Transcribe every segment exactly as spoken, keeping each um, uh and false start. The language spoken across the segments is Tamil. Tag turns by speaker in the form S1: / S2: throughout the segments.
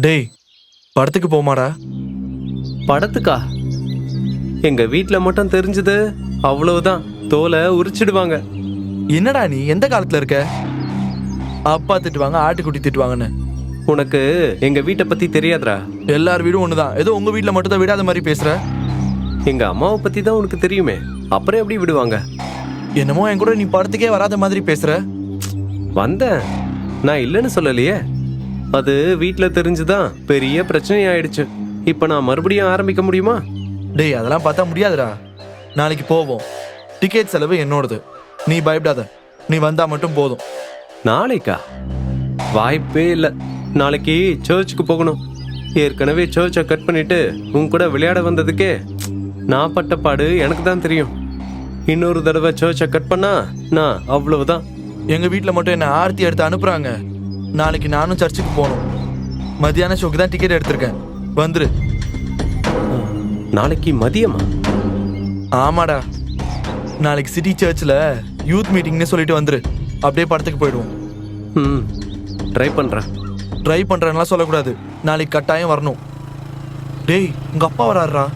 S1: டேய், படத்துக்கு போமாடா?
S2: படத்துக்கா? எங்க வீட்ல மட்டும் தெரிஞ்சது அவ்வளவுதான், தோலை உரிச்சிடுவாங்க.
S1: என்னடா நீ எந்த காலத்துல இருக்க? அப்பா திட்டுவாங்க, ஆட்டுக்குட்டி திட்டுவாங்கன்னு.
S2: உனக்கு எங்க வீட்டை பத்தி தெரியாதுடா.
S1: எல்லார் வீடும் ஒண்ணுதான், ஏதோ உங்க வீட்டுல மட்டும் தான் விடாத மாதிரி பேசுற.
S2: எங்க அம்மாவை பத்தி தான் உனக்கு தெரியுமே, அப்புறம் எப்படி விடுவாங்க?
S1: என்னமோ என் கூட நீ படத்துக்கே வராத மாதிரி பேசுற.
S2: வந்தேன், நான் இல்லைன்னு சொல்லலையே. அது வீட்டுல தெரிஞ்சுதான் பெரிய பிரச்சனை ஆயிடுச்சு. இப்ப நான் மறுபடியும் ஆரம்பிக்க முடியுமா?
S1: டேய், அதெல்லாம் பார்த்தா முடியாதுடா. நாளைக்கு போவோம், டிக்கெட் செலவு என்னோடது, நீ பயப்படாத. நீ வந்தா மட்டும் போதும்.
S2: நாளைக்கா? வாய்ப்பே இல்லை. நாளைக்கு சர்ச்சுக்கு போகணும். ஏற்கனவே சர்ச்சை கட் பண்ணிட்டு உன் கூட விளையாட வந்ததுக்கே நான் பட்ட பாடு எனக்கு தான் தெரியும். இன்னொரு தடவை சர்ச்சை கட் பண்ணா நான் அவ்வளவுதான்.
S1: எங்க வீட்டுல மட்டும் என்ன ஆர்த்தி எடுத்து அனுப்புறாங்க. நாளைக்கு நானும் சர்ச்சுக்கு போகணும். மதியான ஷோக்கு தான் டிக்கெட் எடுத்திருக்கேன், வந்துரு.
S2: நாளைக்கு மதியமா?
S1: ஆமாடா, நாளைக்கு சிட்டி சர்ச்சில் யூத் மீட்டிங்னு சொல்லிட்டு வந்துரு. அப்படியே படத்துக்கு போயிடுவோம்.
S2: ம், ட்ரை பண்றேன்.
S1: ட்ரை பண்றேன்லாம் சொல்லக்கூடாது, நாளைக்கு கட்டாயம் வரணும். டேய், உங்க அப்பா வராருடா.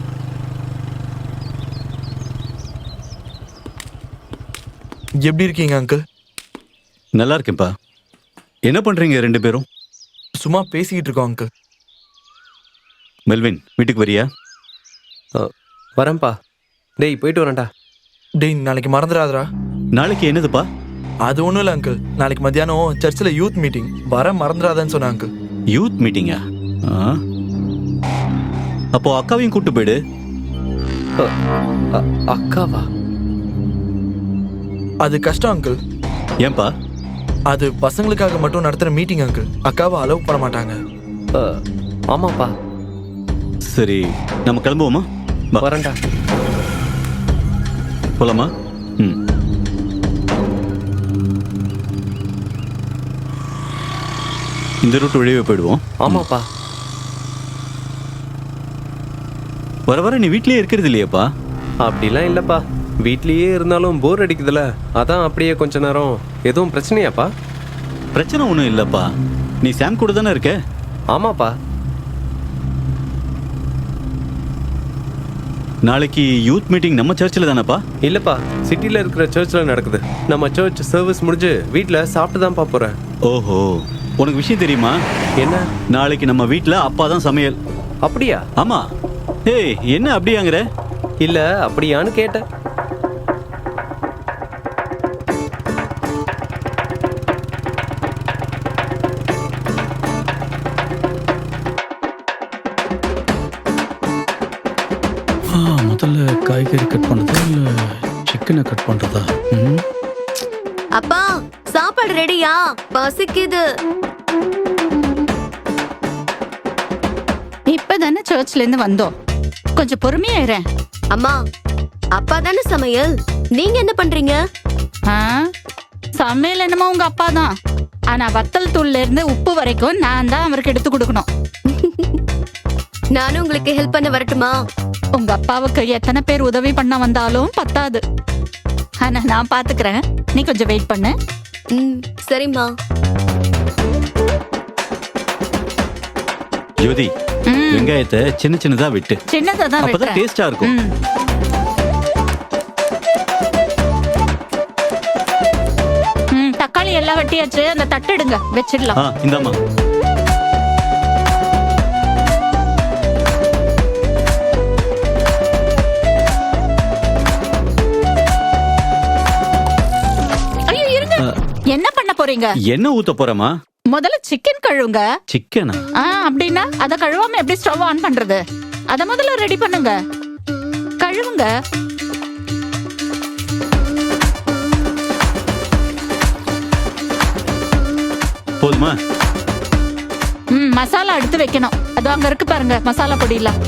S1: எப்படி இருக்கீங்க அங்கிள்?
S3: நல்லா இருக்கேன்ப்பா. என்ன பண்றீங்க ரெண்டு பேரும்?
S1: சும்மா பேசிக்கிட்டு இருக்கோம் அங்கிள்.
S3: மெல்வின், வீட்டுக்கு வரியா?
S2: வரேன்ப்பா. டேய், போயிட்டு வரேன்டா.
S1: டேய், நாளைக்கு மறந்துடாதடா.
S3: நாளைக்கு என்னதுப்பா?
S1: அது ஒன்றும் இல்லை அங்கிள், நாளைக்கு மத்தியானம் சர்ச்சில் யூத் மீட்டிங், வர மறந்துடாதன்னு சொன்னேன் அங்கிள்.
S3: யூத் மீட்டிங்கா? அப்போ அக்காவையும் கூட்டு போயிடு.
S2: அக்காவா?
S1: அது கஷ்டம் அங்கிள்.
S3: ஏன்பா?
S1: அது பசங்களுக்காக மட்டும் நடத்துகிற மீட்டிங் அங்கிள், அக்காவை அலோவ் பண்ண மாட்டாங்க.
S2: ஆமாப்பா.
S3: சரி, நம்ம கிளம்புவோமா?
S2: வரேன்டா.
S3: போலாமா? ம். இந்த ரூட் வழியே போயிடுவோம்.
S2: ஆமாப்பா.
S3: வர வர நீ வீட்லயே இருக்கிறது இல்லையாப்பா?
S2: அப்படிலாம் இல்லப்பா, வீட்லயே இருந்தாலும் போர் அடிக்குதுல, அதான் அப்படியே கொஞ்ச நேரம். எதுவும் பிரச்சனையாப்பா?
S3: பிரச்சனை ஒன்றும் இல்லைப்பா, நீ சாம் கூட தானே இருக்க?
S2: ஆமாப்பா.
S3: நாளைக்கு யூத் மீட்டிங் நம்ம சர்ச்சில் தானேப்பா?
S2: இல்லப்பா, சிட்டில இருக்கிற சர்ச்சில் நடக்குது. நம்ம சர்ச் சர்வீஸ் முடிஞ்சு வீட்டில் சாப்பிட்டு தான்ப்பா போறேன்.
S3: ஓஹோ, உனக்கு விஷயம் தெரியுமா?
S2: என்ன?
S3: நாளைக்கு நம்ம வீட்டில் அப்பா தான் சமையல்.
S2: அப்படியா?
S3: ஆமா. ஏய், என்ன அப்படியாங்கிற?
S2: இல்ல, அப்படியான்னு கேட்டேன்.
S4: முதல்ல காய்கறி கட் பண்றதா இல்ல சிக்கனை கட் பண்றதா?
S5: அப்பா, சாப்பாடு ரெடியா? பசிக்குது.
S6: இப்பதானே சர்ச்ல இருந்து வந்தோம், கொஞ்சம் பொறுமையா இரு.
S5: அம்மா, அப்பா தானே சமையல், நீங்க என்ன பண்றீங்க?
S6: ஆ, சமையல் என்னமோ உங்க அப்பா தான், ஆனா வத்தல் தூள்ல இருந்து உப்பு வரைக்கும் நான் தான் அவருக்கு எடுத்து கொடுக்கணும்.
S5: நானும் உங்களுக்கு ஹெல்ப் பண்ண வரட்டுமா?
S6: உங்க அப்பாவுக்கு எத்தனை பேர் உதவி பண்ண வந்தாலும் பத்தாது. ஆனா நான் பாத்துக்கிறேன், நீ கொஞ்சம் வெயிட் பண்ணு.
S5: ம், சரிம்மா.
S3: ஜோதி, வெங்காயத்தை சின்ன சின்னதா விட்டு.
S6: சின்னதா தான்
S3: அப்பதான்
S6: வெட்டுறேன்.
S3: டேஸ்டா இருக்கும்.
S6: ம். ம், தக்காளி எல்லாம் வெட்டியாச்சு, அந்த தட்டு எடுங்க, வச்சிடலாம்.
S3: ஆ, இந்தாம்மா.
S6: ஐயோ, இருங்க. என்ன பண்ண போறீங்க?
S3: என்ன ஊத்த போறமா?
S6: முதல்ல சிக்கன் கழுவுங்க.
S3: சிக்கனா?
S6: ஆ, அப்படின்னா அத கழுவாம எப்படி ஸ்டவ் ஆன் பண்றது? அத முதல்ல ரெடி பண்ணுங்க, கழுவுங்க.
S3: போதுமா?
S6: ம், மசாலா எடுத்து வைக்கணும். அது அங்க இருக்கு பாருங்க, மசாலா பொடியெல்லாம்.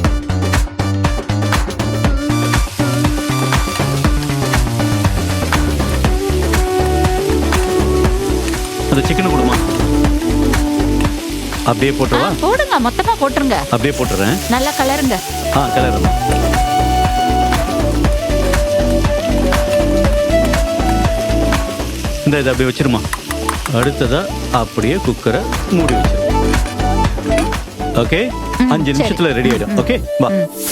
S3: அந்த சிக்கனை கொடுமா. அப்படியே போட்டுவா?
S6: போடுங்க, மொத்தமா போட்டுருங்க.
S3: அப்படியே போட்டுறேன்.
S6: நல்லா கலருங்க.
S3: ஆ, கலரலாம். இந்த இதை அப்படியே வச்சிருமா. அடுத்ததா அப்படியே குக்கரை மூடி வச்சிரு. ஓகே அஞ்சு நிமிஷத்துல ரெடி ஆயிடும். ஓகே வா.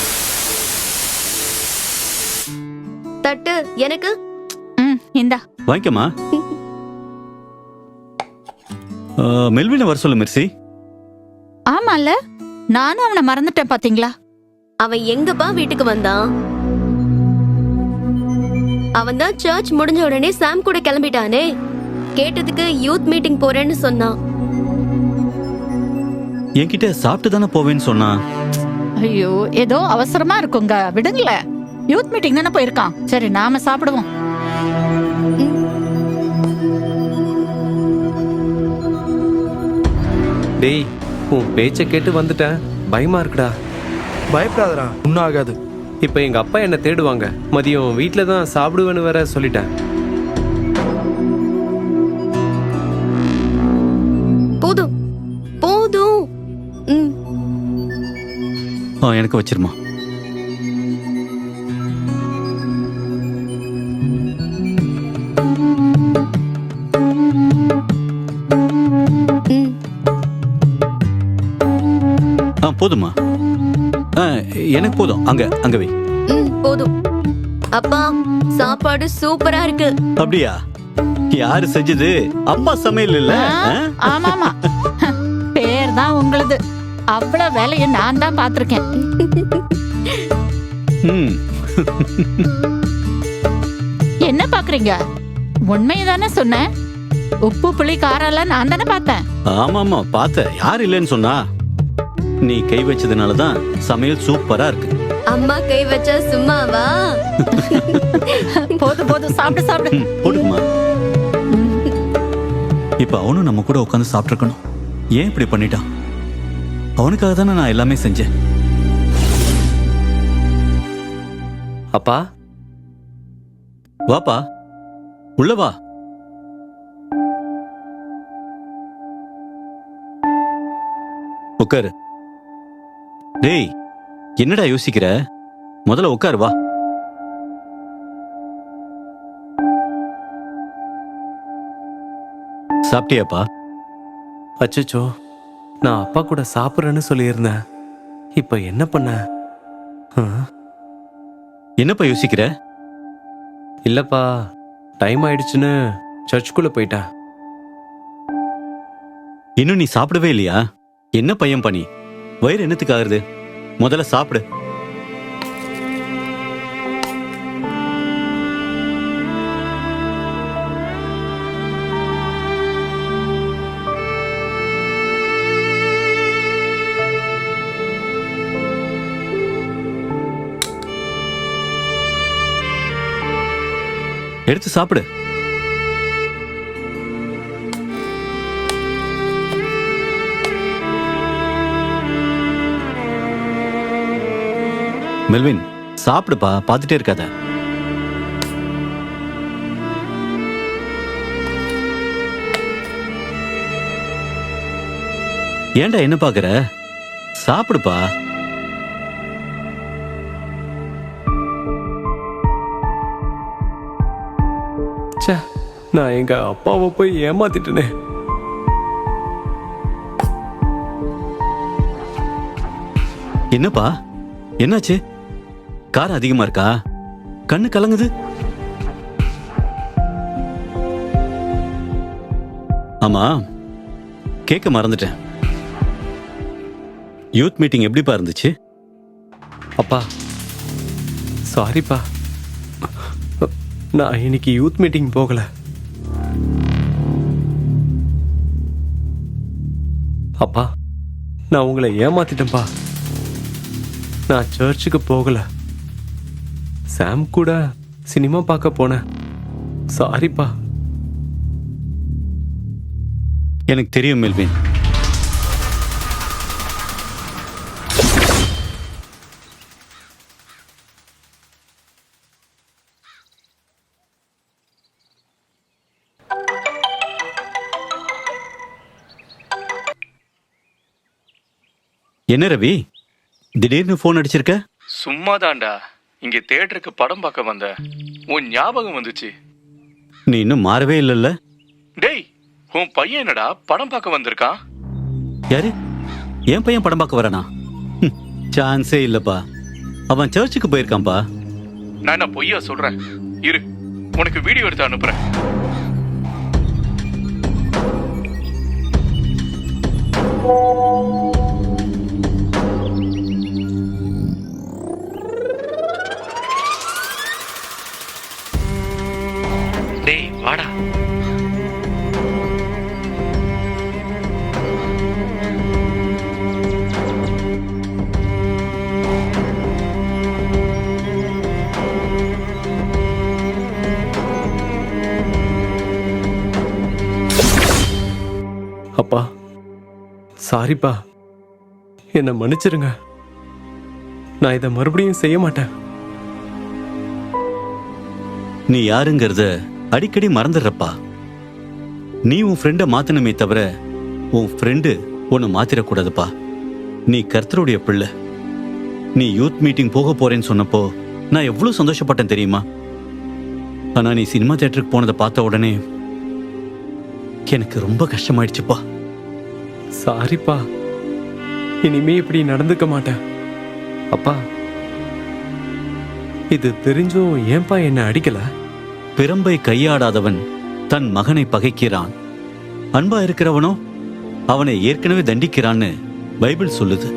S5: தட்டு எனக்கு.
S6: ம் இந்தா.
S3: வாங்கிக்கமா. மெல்வினை வர சொல்லு மெர்சி.
S6: ஆமால, நானும் அவனை மறந்துட்டேன் பாத்தீங்களா.
S5: அவன் எங்கப்பா வீட்டுக்கு வந்தான்? அவன் தான் சர்ச் முடிஞ்ச உடனே சாம் கூட கிளம்பிட்டானே. கேட்டதுக்கு யூத் மீட்டிங் போறேன்னு சொன்னான்.
S3: என்கிட்ட சாப்பிட்டு தானே போவேன்னு சொன்னா.
S6: ஐயோ, ஏதோ அவசரமா இருக்குங்க, விடுங்களேன். யூத் மீட்டிங் தானே போயிருக்கான். சரி, நாம சாப்பிடுவோம்.
S2: டேய், உன் பேச்சை கேட்டு வந்துட்டேன். பயமா இருக்குடா.
S1: பயப்படாதடா, ஒன்றும் ஆகாது.
S2: இப்போ எங்க அப்பா என்ன தேடுவாங்க. மதியம் வீட்டில தான் சாப்பிடுவேன்னு வேற சொல்லிட்டேன்.
S5: போதும் போதும். ம்.
S3: ஆ எனக்கு வச்சிருமா.
S5: ம்.
S3: ஆ போதுமா. ஆ எனக்கு போதும். அங்க அங்க வை.
S5: ம், போதும். அப்பா, சாப்பாடு சூப்பரா இருக்கு.
S3: அப்படியா? யாரு செஞ்சது? அப்பா சமையல் இல்ல?
S6: ஆ, ஆமாமா, பேர் தான் உங்களுது. அவ்வளவு வேலையை நான் தான் பாத்திருக்கேன்.
S3: ம்.
S6: என்ன பாக்குறீங்க? உண்மையதானே சொன்னேன். உப்பு புளி காரம் எல்லாம் நான் தானே பார்த்தேன்.
S3: ஆமா ஆமா பார்த்த. யார் இல்லைன்னு சொன்னா? நீ கை வச்சதுனால தான் சமையல் சூப்பரா இருக்கு.
S5: அம்மா கை வச்சா சும்மாவா?
S6: போதும் போதும், சாப்பிடு சாப்பிடு.
S3: ம், போடுமா. இப்ப அவனும் நம்ம கூட உட்காந்து சாப்பிட்டுருக்கணும். ஏன் இப்படி பண்ணிட்டான்? அவனுக்காக தானே நான் எல்லாமே செஞ்சேன்.
S2: அப்பா,
S3: வாப்பா, உள்ள வா. உட்காரு. டேய், என்னடா யோசிக்கிற? முதல்ல உட்காரு வா. சாப்பிட்டியாப்பா?
S2: அச்சச்சோ, நான் அப்பா கூட சாப்பிட்றேன்னு சொல்லியிருந்தேன். இப்போ என்ன பண்ண? ஆ?
S3: என்னப்பா யோசிக்கிற?
S2: இல்லப்பா, டைம் ஆயிடுச்சுன்னு சர்ச்சுக்குள்ள போயிட்டேன்.
S3: இன்னும் நீ சாப்பிடவே இல்லையா? என்ன பையன் பண்ணி வயிறு என்னத்துக்கு ஆகுது? முதல்ல சாப்பிடு. எடுத்து சாப்பிடு. மெல்வின், சாப்பிடுப்பா, பார்த்துட்டே இருக்காத. ஏன்டா என்ன பாக்குற? சாப்பிடுப்பா.
S2: ச்சே, நான் எங்க அப்பாவை போய் ஏமாத்திட்டேனே.
S3: என்னப்பா என்னாச்சு? காரம் அதிகமா இருக்கா? கண்ணு கலங்குது. ஆமா, கேட்க மறந்துட்டேன். யூத் மீட்டிங் எப்படிப்பா இருந்துச்சு?
S2: அப்பா, சாரிப்பா. நான் இன்னைக்கு யூத் மீட்டிங் போகல. அப்பா, நான் உங்களை ஏமாத்திட்டேன்ப்பா. நான் சர்ச்சுக்கு போகல. சாம் கூட சினிமா பார்க்க போனேன். சாரிப்பா.
S3: எனக்கு தெரியும் மெல்வின். என்ன ரவி, திடீர்னு போன் அடிச்சிருக்க?
S1: சும்மாதான்டா, இங்க தியேட்டருக்கு படம் பார்க்க வந்த உன் ஞாபகம் வந்துச்சு.
S3: நீ இன்னும் மாறவே இல்லைல்ல?
S1: டேய், உன் பையன் என்னடா படம் பார்க்க வந்திருக்கான்?
S3: யாரு? என் பையன் படம் பார்க்க வரானா? ஹம், சான்ஸே இல்லப்பா. அவன் சர்ச்சுக்கு போயிருக்கான்ப்பா.
S1: நான் என்ன பொய்யா சொல்றேன்? இரு, உனக்கு வீடியோ எடுத்து அனுப்புறேன். டேய் வாடா.
S2: அப்பா சாரிப்பா, என்னை மன்னிச்சிருங்க. நான் இதை மறுபடியும் செய்ய மாட்டேன்.
S3: நீ யாருங்கிறத அடிக்கடி மறந்துடுறப்பா. நீ உன் ஃப்ரெண்டை மாத்தணுமே தவிர உன் ஃப்ரெண்டு உன்னை மாத்திரக்கூடாதுப்பா. நீ கர்த்தருடைய பிள்ளை. நீ யூத் மீட்டிங் போக போறேன்னு சொன்னப்போ நான் எவ்வளவு சந்தோஷப்பட்டேன் தெரியுமா? ஆனா நீ சினிமா தியேட்டருக்கு போனதை பார்த்த உடனே எனக்கு ரொம்ப கஷ்டமாயிடுச்சுப்பா.
S2: சாரிப்பா, இனிமே இப்படி நடந்துக்க மாட்டேன். அப்பா, இது தெரிஞ்சும் ஏன்பா என்ன அடிக்கல?
S3: பிரம்பை கையாடாதவன் தன் மகனை பகைக்கிறான், அன்பா இருக்கிறவனோ அவனை ஏற்கனவே தண்டிக்கிறான்னு பைபிள் சொல்லுது.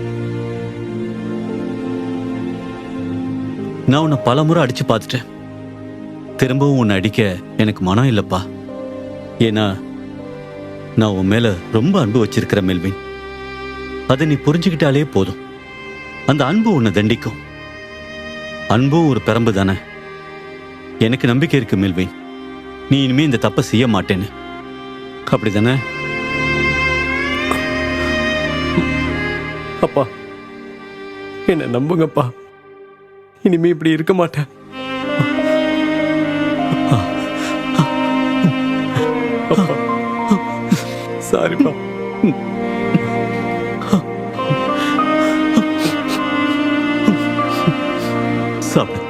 S3: நான் உன்னை பல முறை அடிச்சு பார்த்துட்டேன். திரும்பவும் உன்னை அடிக்க எனக்கு மனம் இல்லப்பா. ஏன்னா நான் உன் மேல ரொம்ப அன்பு வச்சிருக்கிறேன் மெல்வின். அதை நீ புரிஞ்சுக்கிட்டாலே போதும். அந்த அன்பு உன்னை தண்டிக்கும். அன்பும் ஒரு பிரம்பு தானே. எனக்கு நம்பிக்கை இருக்கு மெல்வின், நீ இனிமே இந்த தப்பை செய்ய மாட்டேன்னு. அப்படிதானே?
S2: அப்பா, என்ன நம்புங்கப்பா. இனிமே இப்படி இருக்க மாட்டேன். சாரிப்பா.
S3: சாப்பிடு.